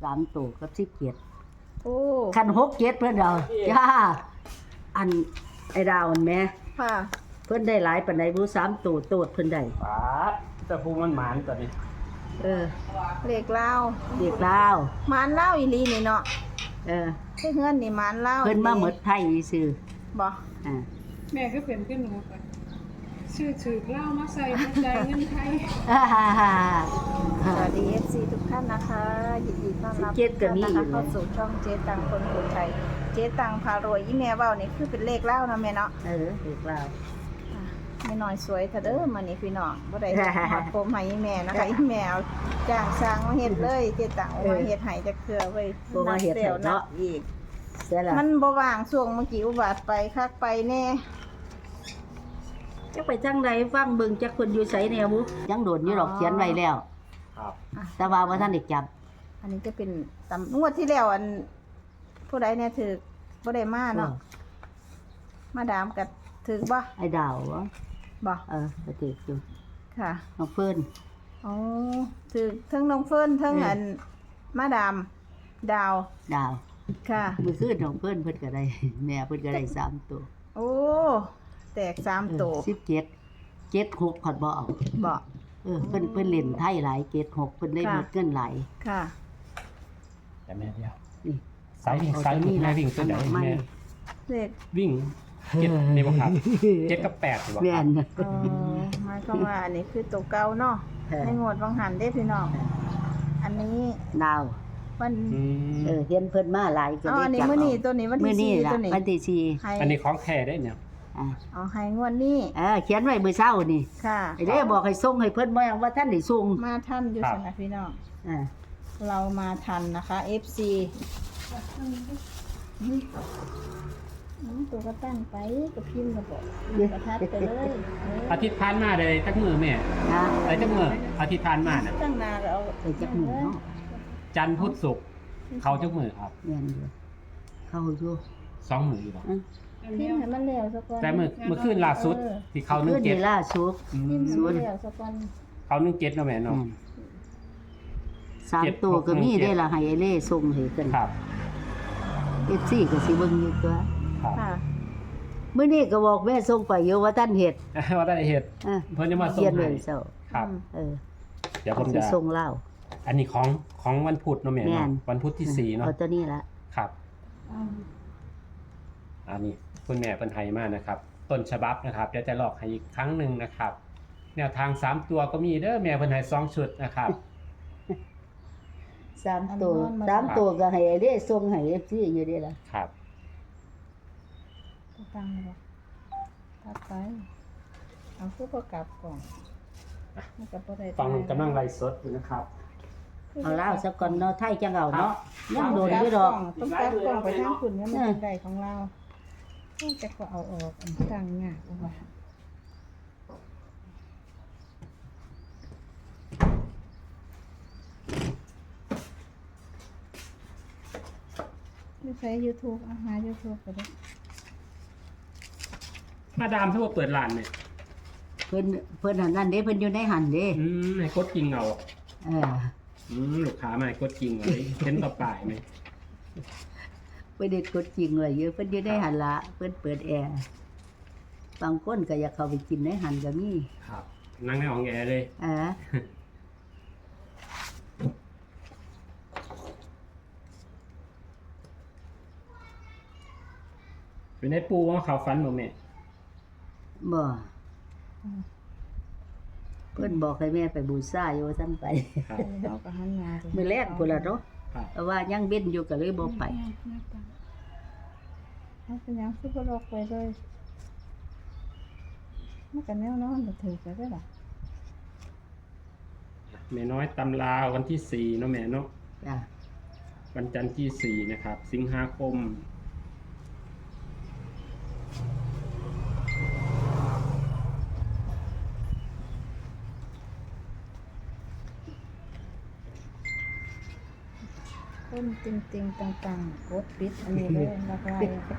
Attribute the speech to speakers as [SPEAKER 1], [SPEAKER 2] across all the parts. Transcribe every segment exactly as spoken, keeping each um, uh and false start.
[SPEAKER 1] สามตัวกับสิบเจ็ด
[SPEAKER 2] โอ้
[SPEAKER 1] คันหกเจ็ดเพิ่นเอาจ้าอันไอ้ดาวอันแม่
[SPEAKER 2] ค่ะ
[SPEAKER 1] เพิ่นได้หลายปานใดบ่สามตัวโตดเพิ่นได้
[SPEAKER 3] ปาดแต่ภูมันหมานตัวนี้
[SPEAKER 1] เออ
[SPEAKER 2] เลขลาว
[SPEAKER 1] เด็กลาว
[SPEAKER 2] หมานลาวอีหลีนี่เนาะ
[SPEAKER 1] เออ
[SPEAKER 2] คือเฮือนนี่หมานลาว
[SPEAKER 1] เพิ่นมาหมดไทยซื่อ
[SPEAKER 2] บ่
[SPEAKER 1] อ่า
[SPEAKER 4] แม่ก็เป็นขึ้นหนูไปชื่อถือเหล้ามาใส่มาใจายเงินไทย
[SPEAKER 1] ฮ่าฮ่าฮ่า
[SPEAKER 2] สวัสดี เอฟ ซี ทุกท่านนะคะยินดีต้อนรับ
[SPEAKER 1] สิบเจ็ดก็มี
[SPEAKER 2] ทุก
[SPEAKER 1] อยู่
[SPEAKER 2] ท่านนะคะเข้าสู่ช่องเจ๊ตังคนคนไทยเจ๊ตังพารวยอีแม่เว้านี่คือเป็นเลขลาวนะแม่เนาะ
[SPEAKER 1] เออเด็กลาว
[SPEAKER 2] อ่ะแม่น้อยสวยเถอะเด้อมื้อนี้พี่น้องบ่ได้หอดผมให้อีแม่นะคะอีแม่เอาจ้างสร้างมาเฮ็ดเลยเจ๊ตังเอามาเฮ็ดให้จักเทื่อไว้
[SPEAKER 1] บ่มาเฮ็ดให้เนาะ
[SPEAKER 2] อีก
[SPEAKER 1] เสียละ
[SPEAKER 2] มันบ่ว่างช่วงเมื่อกี้อุบัติไปคักไปแน่
[SPEAKER 1] จักไปจังใดฟังเบิ่งจักเพิ่นอยู่ไสแนวบุยังโดนอยู่ดอกเขียนไว้แล้ว
[SPEAKER 3] ครับ
[SPEAKER 1] แต่ว่าบ่ทันได้จับ
[SPEAKER 2] อันนี้จะเป็นตำงวดที่แล้วอันผู้ใดเนี่ยถือบ่ได้มาเนาะมาดามกับถือบ่
[SPEAKER 1] ไอ้ดาวบ่
[SPEAKER 2] บ่
[SPEAKER 1] เออก็ติดอยู่
[SPEAKER 2] ค่ะ
[SPEAKER 1] น้องเพิ่น
[SPEAKER 2] อ๋อถือทั้งน้องเฟิร์นทั้ง
[SPEAKER 1] เอออั
[SPEAKER 2] อันมาดามดาว
[SPEAKER 1] ดาว
[SPEAKER 2] ค่ะ
[SPEAKER 1] มื้อคืนน้องเพิ่นเพิ่นก็ได้ แม่เพิ่นก็ได้สามตัว
[SPEAKER 2] โอ้แตกสามโต
[SPEAKER 1] สิบเจ็ด เจ็ดหกขอดบ่เอา
[SPEAKER 2] บ่
[SPEAKER 1] เออเพิ่นเพิ่นเล่นไทยหลายเจ็ดหกเพิ่นได้หมดเงินหลาย
[SPEAKER 2] ค่ะ
[SPEAKER 3] แต่แม่เดียว
[SPEAKER 1] นี่
[SPEAKER 3] สายวิ่ง
[SPEAKER 1] เอา
[SPEAKER 3] สายวิ่ง
[SPEAKER 1] ตัวนี้
[SPEAKER 3] แม่
[SPEAKER 1] ล่ะ
[SPEAKER 3] วิ่งตัวไหน
[SPEAKER 1] อันดับไม่
[SPEAKER 3] แม่
[SPEAKER 2] เลข
[SPEAKER 3] วิ่งเจ็ดนี่บ่ครับเจ็ดกับแปดนี่บ่ค
[SPEAKER 1] แม่
[SPEAKER 3] รับ
[SPEAKER 1] น
[SPEAKER 2] อ๋อหมายความว่าอันนี้คือตัวเก่าเนาะ
[SPEAKER 1] เออ
[SPEAKER 2] ในงวดวังหันเด้พี่น้องอันนี้
[SPEAKER 1] ดาว
[SPEAKER 2] วัน
[SPEAKER 3] อืม
[SPEAKER 1] เออเห็นเพิ่นมาหลายก็
[SPEAKER 2] อ๋อ
[SPEAKER 1] ได้
[SPEAKER 2] อันนี้
[SPEAKER 1] จับ
[SPEAKER 2] มื้อนี้
[SPEAKER 1] เอา
[SPEAKER 2] ตัวนี้วัน
[SPEAKER 1] มื้อ
[SPEAKER 2] ที่
[SPEAKER 1] นี้
[SPEAKER 2] สี่
[SPEAKER 1] ล่ะ
[SPEAKER 2] ตัวนี้
[SPEAKER 1] วันที่สี่
[SPEAKER 2] ให้
[SPEAKER 3] อันนี้ของแท้ได้เนี่ย
[SPEAKER 1] อ่า
[SPEAKER 2] เอาให้งวดนี้
[SPEAKER 1] เออเขียนไว้มื้อเช้านี่
[SPEAKER 2] ค่ะ
[SPEAKER 1] ไอ้เด้บอกให้ส่งให้เพิ่นบ่ยังว่าท่านได้ส่ง
[SPEAKER 2] มาทันอยู่สนะพี่น้อง
[SPEAKER 1] อ่า
[SPEAKER 2] เรามาทันนะคะ เอฟ ซี อืมตัวก็ตั้งไปกับพิมพ์ระบบประทัดไปเลยเออ
[SPEAKER 3] อาทิตย์ผ่านมาได้จักมือแม่
[SPEAKER 1] นะ
[SPEAKER 3] ได้จักมืออาทิตย์ผ่านมาน่ะ
[SPEAKER 2] ตั้งนานแล้ว
[SPEAKER 1] ไปจักหมู่เนาะ
[SPEAKER 3] จันทร์พุธศุกร์เขาจักมือครับ
[SPEAKER 1] แม่นอยู่เข้าอยู่
[SPEAKER 3] สองมืออยู่บ่
[SPEAKER 1] อ่ะ
[SPEAKER 4] อัน
[SPEAKER 2] พิ
[SPEAKER 4] เดี
[SPEAKER 2] ม
[SPEAKER 4] ยว
[SPEAKER 2] พ์ให้มันแล้วสักวัน
[SPEAKER 3] แต่มื้อเมื่อคืนล่าสุดที่เขาหนึ่
[SPEAKER 1] ขึ้
[SPEAKER 3] ง
[SPEAKER 1] น
[SPEAKER 3] เจ็ด
[SPEAKER 1] นี่ล่าสุด
[SPEAKER 3] อื
[SPEAKER 2] พิม
[SPEAKER 3] ม
[SPEAKER 2] พ์ให้มันแล้วสักวัน
[SPEAKER 3] เขาหนึ่งเจ็ดเนาะแม่เนาะ
[SPEAKER 1] แม่นสาม
[SPEAKER 3] เจ็ด
[SPEAKER 1] ตัวก็มี
[SPEAKER 3] หกหนึ่งเจ็ด
[SPEAKER 1] ได้ละให้ไอ้เล่ส่งให้กัน
[SPEAKER 3] ครับ
[SPEAKER 1] เอฟซีก็สิเบิ่งอยู่ตัว
[SPEAKER 3] ครับ
[SPEAKER 2] ค่ะ
[SPEAKER 1] มื้อนี้ก็บอกแม่ส่งไปอยู่ว่าท่านเฮ็ด
[SPEAKER 3] ว่าได้เฮ็ด
[SPEAKER 1] อ่ะ
[SPEAKER 3] เพิ่นจะมาส่ง
[SPEAKER 1] เขียน
[SPEAKER 3] ให้
[SPEAKER 1] ไว้เซา
[SPEAKER 3] ครับ
[SPEAKER 1] เออ
[SPEAKER 3] เดี๋ยวผม
[SPEAKER 1] สิ
[SPEAKER 3] จะ
[SPEAKER 1] ส่งเล่า
[SPEAKER 3] อันนี้ของของวันพุธเนาะแม่
[SPEAKER 1] แม่
[SPEAKER 3] เนาะ
[SPEAKER 1] น
[SPEAKER 3] วันพุธที่สี่เนาะ
[SPEAKER 1] เอาตัวนี้ละ
[SPEAKER 3] ครับ อันนี้คุณแม่เป็นไทยมากนะครับ ต้นฉบับนะครับเดี๋ยวจะหลอกให้อีกครั้งหนึ่งนะครับ แนวทางสามตัวก็มีเด้อแม่เป็นไทยสองชุดนะครับ
[SPEAKER 1] สามตัวสามตัวก็ให้ไอ้เล่ส่งให้ เอฟ ซี อยู่เด้ล่ะ
[SPEAKER 3] ครับ
[SPEAKER 2] ตัวตั้งเลยบ่ตัดไปเอาคือพอกลับก่อนมันก็บ่ได้
[SPEAKER 3] ฟังกำลังไลฟ์สดอยู่นะครับ
[SPEAKER 1] เอาเล่าซะก่อนเนาะไทยจังเอาเนาะยังโดนอยู่ดอก
[SPEAKER 2] ต้องกลับกล้องไปทางคุณเนี่ยมันเป็นได้ของเราจะก็เอาออกอันตั้งยากเอาไว้ไม่ใช้ YouTube อาหา YouTube ก็ได้
[SPEAKER 3] มาดามถ้าว่าเปิดร้านเนี่ย
[SPEAKER 1] เพิ่นเพิ่นหันนั่นเด้เพิ่นอยู่ในหันเด้
[SPEAKER 3] อืมให้กดกิ่งเอา
[SPEAKER 1] เออ
[SPEAKER 3] อืมลูกค้ามาให้กดกิ่งไว้เห็นต่อปลายไหม
[SPEAKER 1] เพิ่นเด็ดกดจริงเลยอยู่เพิ่นอยู่ในหันละเพิ่นเปิดแอร์บางคนก็อยากเข้าไปกินในหันก็มี
[SPEAKER 3] ครับ นั่งในห้องแอร์เลย
[SPEAKER 1] เออ
[SPEAKER 3] เป็นในปูว่าเขาฟันบ่แม่
[SPEAKER 1] บ่เพิ่นบอกให้แม่ไปบูชาอยู่ว่าซั่นไป
[SPEAKER 3] ครับ
[SPEAKER 2] เราก็หันหน้าไป
[SPEAKER 1] มื้อแรกพุ่นล่ะเนาะ
[SPEAKER 3] ครับ
[SPEAKER 1] แต่ว่ายังเบ็นอยู่ก็เลยบ่ไป
[SPEAKER 2] เอาเป็นหยังคือบ่ลอกไปเลยมันก็แนวนอนบ่ถือก็ได้ล่ะ
[SPEAKER 3] แม่น้อยตำราวันที่สี่เนาะแม่เนาะ
[SPEAKER 1] จ้ะ
[SPEAKER 3] วันจันทร์ที่สี่นะครับ สิงหาคม
[SPEAKER 2] ต้นติงๆตังๆกดปิดอันนี้เลยแล้วก็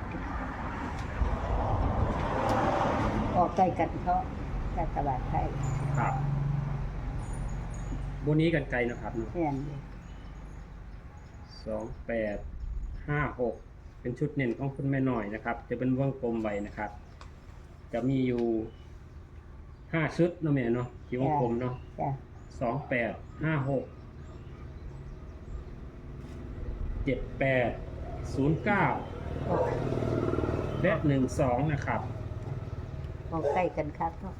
[SPEAKER 1] ออกใกล้กันเพราะรัฐบาลไทย
[SPEAKER 3] ครับบนนี้กันไกลนะครับเนาะ
[SPEAKER 1] แม่นอยู่
[SPEAKER 3] สองแปดห้าหกเป็นชุดเน้นของคุณแม่น้อยนะครับ จะเป็นวงกลมไว้นะครับ จะมีอยู่ห้าชุดเนาะแม่เนาะที่วงกลมเนาะ
[SPEAKER 1] จ้ะ
[SPEAKER 3] สองแปดห้าหกเจ็ดแปดศูนย์เก้าและหนึ่งสองนะครับ
[SPEAKER 1] เอาใกล้กันครับเนาะ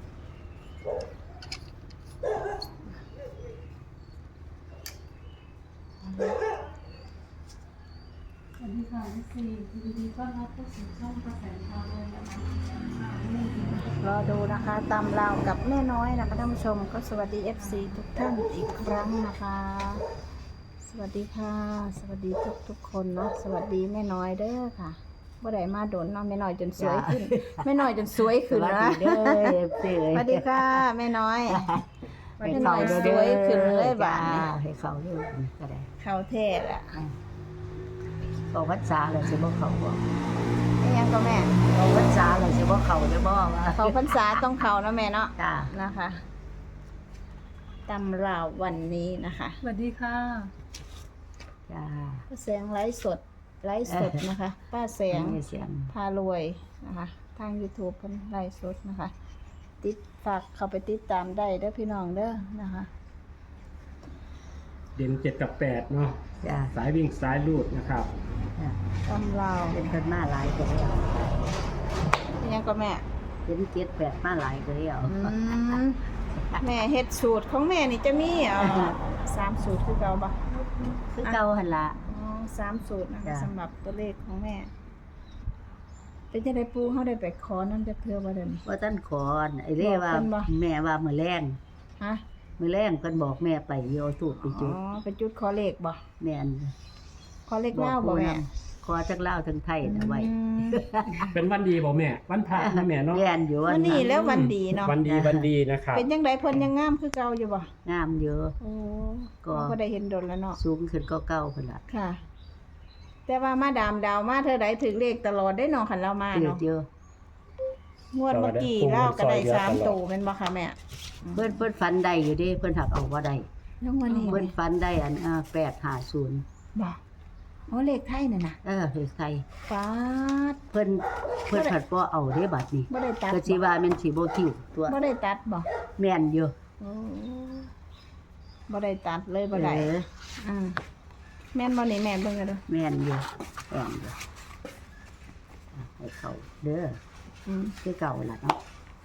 [SPEAKER 4] สวัสดีค่ะพี่ซียินดีต้อนรับเข้าสู่ช่องกระแสพาเลยนะคะนี่คือ
[SPEAKER 2] รอดูนะคะตำราวกับแม่น้อยนะคะท่านผู้ชมก็สวัสดี เอฟ ซี ทุกท่านอีกครั้งนะคะ สวัสดีค่ะ สวัสดีทุกทุกๆคนเนาะสวัสดีแม่น้อยเด้อค่ะบ่ได้มาโดนเนาะแม่น้อยจนสวยขึ้นแม่น้อยจนสวยขึ้น
[SPEAKER 1] สวัส
[SPEAKER 2] นะ
[SPEAKER 1] ดีเด้อเอฟซี
[SPEAKER 2] สวัสดีค่ะแม่น้อย
[SPEAKER 1] ให้
[SPEAKER 2] แม่น้
[SPEAKER 1] เขา
[SPEAKER 2] อย
[SPEAKER 1] เด้อ
[SPEAKER 2] สวยขึ้นเลยบาดนี้
[SPEAKER 1] จ้ให้เขาเด้อก็ได้
[SPEAKER 2] เขาเท่ละ
[SPEAKER 1] บอกวัดษาเลยสิบ่เขาบ่
[SPEAKER 2] นี่ยังก็แม่
[SPEAKER 1] บอกวัดษาเลยสิบ่เขาได้บ่ว่า
[SPEAKER 2] เขาพรรษาต้องเขานะแม่เนาะ
[SPEAKER 1] จ้า
[SPEAKER 2] นะคะตำราววันนี้นะคะ
[SPEAKER 4] สวัสดีค่ะ
[SPEAKER 1] จ้า
[SPEAKER 2] ป้าแสงไลฟ์สดไลฟ์สดนะคะ ป้าแสง
[SPEAKER 1] มีเสียง
[SPEAKER 2] พารวยนะคะ ทาง YouTube เพิ่นไลฟ์สดนะคะ ติดฝากเข้าไปติดตามได้เด้อพี่น้องเด้อนะคะ
[SPEAKER 3] เด่นเจ็ดกับแปดเนาะ
[SPEAKER 1] จ้า
[SPEAKER 3] สายวิ่งสายลูดนะครับ
[SPEAKER 1] จ้า
[SPEAKER 2] ตำราว
[SPEAKER 1] เป็นคนมาหลายก็แล้ว
[SPEAKER 2] นี่ยังก็แม่
[SPEAKER 1] เป็นเจ็ดแปดมาหลายก็แล้ว
[SPEAKER 2] อืมแม่เฮ็ดสูตรของแม่นี่จะมีเอ่อสามสูตรคือเก่าปะ
[SPEAKER 1] คือเก่าหั่นล่ะ
[SPEAKER 2] อ๋อสามสูตรนะคะ
[SPEAKER 1] จ้ะ
[SPEAKER 2] สำหรับตัวเลขของแม่ เป็นจะได้ปูเขาได้ไปขอนั่นจะเพื่อว่าเดิน
[SPEAKER 1] ว่าท่านขอไอ้เร่ว่า
[SPEAKER 2] บอกเพิ่นบ่
[SPEAKER 1] แม่ว่ามื้อแรง
[SPEAKER 2] ฮะ
[SPEAKER 1] มื้อแรงเพิ่นบอกแม่ไปโยทูบไป
[SPEAKER 2] อ๋
[SPEAKER 1] จุด
[SPEAKER 2] อไปจุดขอเลขบ่
[SPEAKER 1] แม่น
[SPEAKER 2] ขอเลขเล่าบ่แม่
[SPEAKER 1] ขอจักเล่าวทั้งไทยนะไว้
[SPEAKER 2] อืม
[SPEAKER 3] เป็นวันดีบอกแม่ วันพระนะแม่เนาะ
[SPEAKER 1] แม่นอยู่
[SPEAKER 2] วันนี้แล้ววันดีเนาะ
[SPEAKER 3] วันดีวันดีนะครับ
[SPEAKER 2] เป็นยังไงเพิ่นยังงามคือเก่าอยู่บ่
[SPEAKER 1] งามเยอะ
[SPEAKER 2] โอ้
[SPEAKER 1] ก็
[SPEAKER 2] ก็ได้เห็นดนแล้วเนาะ
[SPEAKER 1] สูงขึ้นก็เก่าพุ่นล่ะ
[SPEAKER 2] ค่ะ แต่ว่ามาดามดาวมาเธอใดถึงเลขตลอดได้เนาะคันเรามา
[SPEAKER 1] เยอะ
[SPEAKER 2] เนาะ
[SPEAKER 1] เยอะ
[SPEAKER 2] งวดเมื่อกี้เล่าก็ได้สามตูเป็นบ่คะแม่
[SPEAKER 1] เพิ่นเพิ่นฝันได้อยู่เดิเพิ่นหักเอาบ่ได้
[SPEAKER 2] แล้ววันนี้
[SPEAKER 1] เพิ่นฝันได้อันอ่าแปดห้าศูนย์
[SPEAKER 2] บ่อ๋อเลขไทยน่ะนะ
[SPEAKER 1] เออเฮ้ยใคร
[SPEAKER 2] ฟาด
[SPEAKER 1] เพิ่นเพิ่นผัดบ่เอาเด้บัดนี้
[SPEAKER 2] บ่ได้ตัด
[SPEAKER 1] ก็สิว่าแม่นสิบ่คิวตัว
[SPEAKER 2] บ่ได้ตัดบ่
[SPEAKER 1] แม่นอยู่
[SPEAKER 2] โอ้บ่ได้ตัดเลยบ่ได้
[SPEAKER 1] เออ
[SPEAKER 2] อืมแม่นบ่นี่แม่เบิ่งกันเด้อ
[SPEAKER 1] แม่นอยู่แม่นอยู่อ่ะให้เขาเด้อ
[SPEAKER 2] อืม
[SPEAKER 1] คือเก่าล่ะเนาะ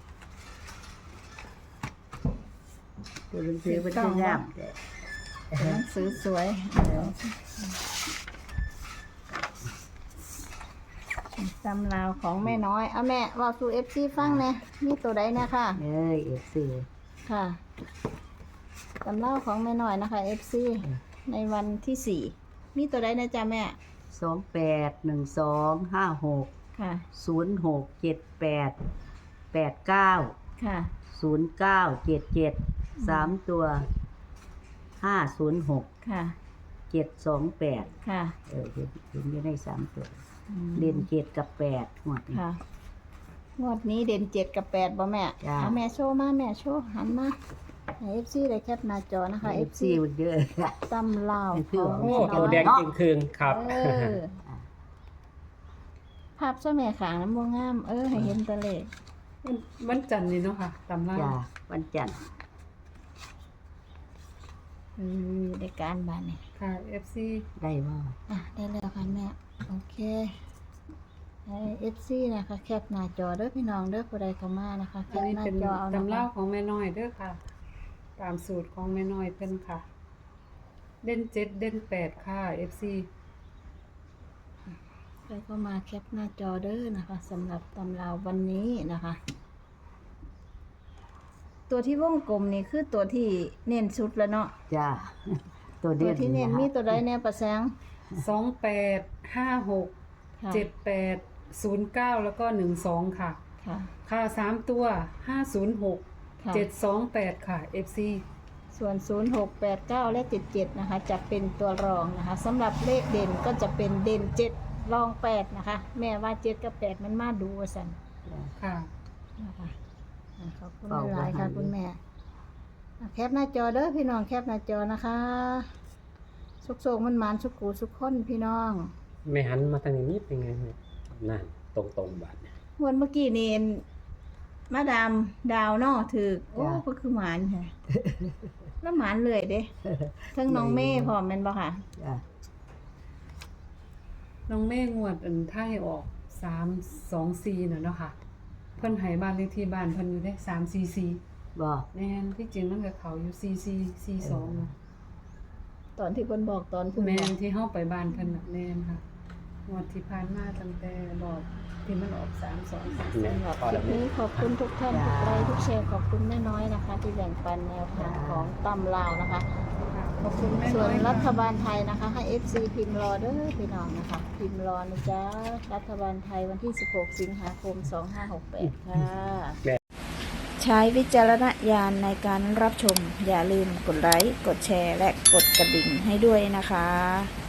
[SPEAKER 1] ตัวหนังสือมันคืองามแต่
[SPEAKER 2] หนังสือสวยตำราวของแม่น้อยเอาแม่เว้าสู่ เอฟ ซี ฟังแหน่มีตัวใดเนี่ยค่ะ
[SPEAKER 1] เอ้ยเอฟซี
[SPEAKER 2] ค่ะตำราวของแม่น้อยนะคะ เอฟ ซี ในวันที่สี่มีตัวใดนะจ๊ะแม่
[SPEAKER 1] สองแปดหนึ่งสองห้าหก
[SPEAKER 2] ค่ะ
[SPEAKER 1] ศูนย์หกเจ็ดแปดแปดเก้า
[SPEAKER 2] ค่ะ
[SPEAKER 1] ศูนย์เก้าเจ็ดเจ็ดสามตัวห้าศูนย์หก
[SPEAKER 2] ค่ะ
[SPEAKER 1] เจ็ดสองแปด
[SPEAKER 2] ค่ะ
[SPEAKER 1] เออเห็นเห็นอยู่ในสามตัว
[SPEAKER 2] อืม
[SPEAKER 1] เล่นเจ็ดกับแปดหมด
[SPEAKER 2] ค่ะ งวดนี้เด่นเจ็ดกับแปดบ่แม่
[SPEAKER 1] จ้ะ
[SPEAKER 2] เอาแม่โชว์มาแม่โชว์หันมาเอฟซีได้แคปหน้าจอนะคะ
[SPEAKER 1] เอ
[SPEAKER 2] เอ
[SPEAKER 1] ฟ
[SPEAKER 2] ฟ
[SPEAKER 1] ซี
[SPEAKER 2] ซี
[SPEAKER 1] มันเยอะ
[SPEAKER 2] ตำลาว
[SPEAKER 1] เพื่อ
[SPEAKER 2] ของ
[SPEAKER 3] โอ้
[SPEAKER 2] แม่
[SPEAKER 3] ตัวแดง
[SPEAKER 2] น้อย
[SPEAKER 3] จริงคืนครับ
[SPEAKER 2] เออภาพเจ้าแม่ขางน้ำบ่งาม เออ ให้เห็นแตะเลข
[SPEAKER 4] วันวันจันทร์นี่เนาะค่ะตำรา
[SPEAKER 1] จ้าวันจันทร์
[SPEAKER 2] อือได้การบ้านนี่
[SPEAKER 4] ค่ะ เอฟ ซี
[SPEAKER 1] ได้บ่
[SPEAKER 2] อ่ะ ได้แล้วค่ะแม่ โอเคให้เอฟซีนะคะ แคปหน้าจอเด้อพี่น้องเด้อผู้ใดเข้ามานะคะแค
[SPEAKER 4] อัน
[SPEAKER 2] ป
[SPEAKER 4] นี้
[SPEAKER 2] หน้า
[SPEAKER 4] เป็น
[SPEAKER 2] จอเอานะ
[SPEAKER 4] ตำรา
[SPEAKER 2] คะ
[SPEAKER 4] ของแม่น้อยเด้อค่ะ ตามสูตรของแม่น้อยเพิ่นค่ะ เด่นเจ็ดเด่นแปดค่ะ เอฟ ซี
[SPEAKER 2] ใครก็มาแคปหน้าจอเด้อนะคะสำหรับตำราววันนี้นะคะ ตัวที่วงกลมนี่คือตัวที่เน้นสุดแล้วเนาะ
[SPEAKER 1] จ้าตัว
[SPEAKER 2] ตั
[SPEAKER 1] เด่
[SPEAKER 2] วน ที่เน้นมีตัวใดแน่ประแสง
[SPEAKER 4] สองแปดห้าหก
[SPEAKER 2] ค่ะ
[SPEAKER 4] เจ็ดแปดศูนย์เก้าแล้วก็หนึ่งสองค่ะ
[SPEAKER 2] ค่ะ
[SPEAKER 4] ค่ะสามตัวห้าศูนย์หก
[SPEAKER 2] ค่ะ
[SPEAKER 4] เจ็ดสองแปดค่ะ เอฟ ซี
[SPEAKER 2] ส่วน ศูนย์ หก แปด เก้า และ เจ็ด เจ็ด นะคะ จะเป็นตัวรองนะคะสำหรับเลขเด่นก็จะเป็นเด่นเจ็ดรองแปดนะคะ แม่ว่าเจ็ดกับแปดมันมาดูว่าสัน
[SPEAKER 4] ค่ะ
[SPEAKER 2] นะคะอ่ะขอบคุณหลายๆค่ะคุณแม่อ่ะแคปหน้าจอเด้อพี่น้องแคปหน้าจอนะคะสุกๆมันหมานสุกูสุกคนพี่น้อง
[SPEAKER 3] ไม่หันมาทางนี้นิดยังไงแม่นั่นตรงๆบาดเนี่ย
[SPEAKER 2] งวดเมื่อกี้นี่มาดามดาวเนาะถือโอ้ก็คือหมานค่ะ แล้วหมานเลยเด้ทั้งน้องเม่พร้อมแม่นบ่ค่ะ
[SPEAKER 1] จ้ะ
[SPEAKER 4] น้องแม่งวดอันไทยออกสามสองสี่น่ะเนาะค่ะ เพิ่นให้บ้านเลขที่บ้านเพิ่นอยู่ได้สามสี่สี่
[SPEAKER 1] บ่
[SPEAKER 4] แม่นที่จริงมันก็เขาอยู่สี่สี่สี่สอง
[SPEAKER 2] ตอนที่เพิ่นบอกตอนเพิ่น
[SPEAKER 4] แม่
[SPEAKER 2] บอน ก
[SPEAKER 4] ที่เฮาไปบ้านเพิ่นน่ะแม่นค่ะงวดที่ผ่านมาตั้งแต่บอกที่มันออกสามสองสาม
[SPEAKER 3] แม่
[SPEAKER 2] สำหรับ
[SPEAKER 3] พอ
[SPEAKER 2] คลิ
[SPEAKER 3] แล้ว
[SPEAKER 2] ป
[SPEAKER 3] แม่
[SPEAKER 2] นี้ขอบคุณทุกท่านทุกไลค์ทุกแชร์ขอบคุณแม่น้อยนะคะ ที่แบ่งปันแนวทางของตำลาวนะคะ
[SPEAKER 4] ขอบคุณแม่
[SPEAKER 2] ส่
[SPEAKER 4] น้
[SPEAKER 2] ว
[SPEAKER 4] อน ย
[SPEAKER 2] รัฐ
[SPEAKER 4] ค่ะ
[SPEAKER 2] บาลไทยนะคะ ให้ เอฟ ซี พิมพ์รอเด้อพี่น้องนะคะ พิมพ์รอนะจ๊ะรัฐบาลไทยวันที่ สิบหก สิงหาคม สองห้าหกแปด ค่ะ ใช้วิจารณญาณในการรับชม อย่าลืมกดไลค์ กดแชร์ และกดกระดิ่งให้ด้วยนะคะ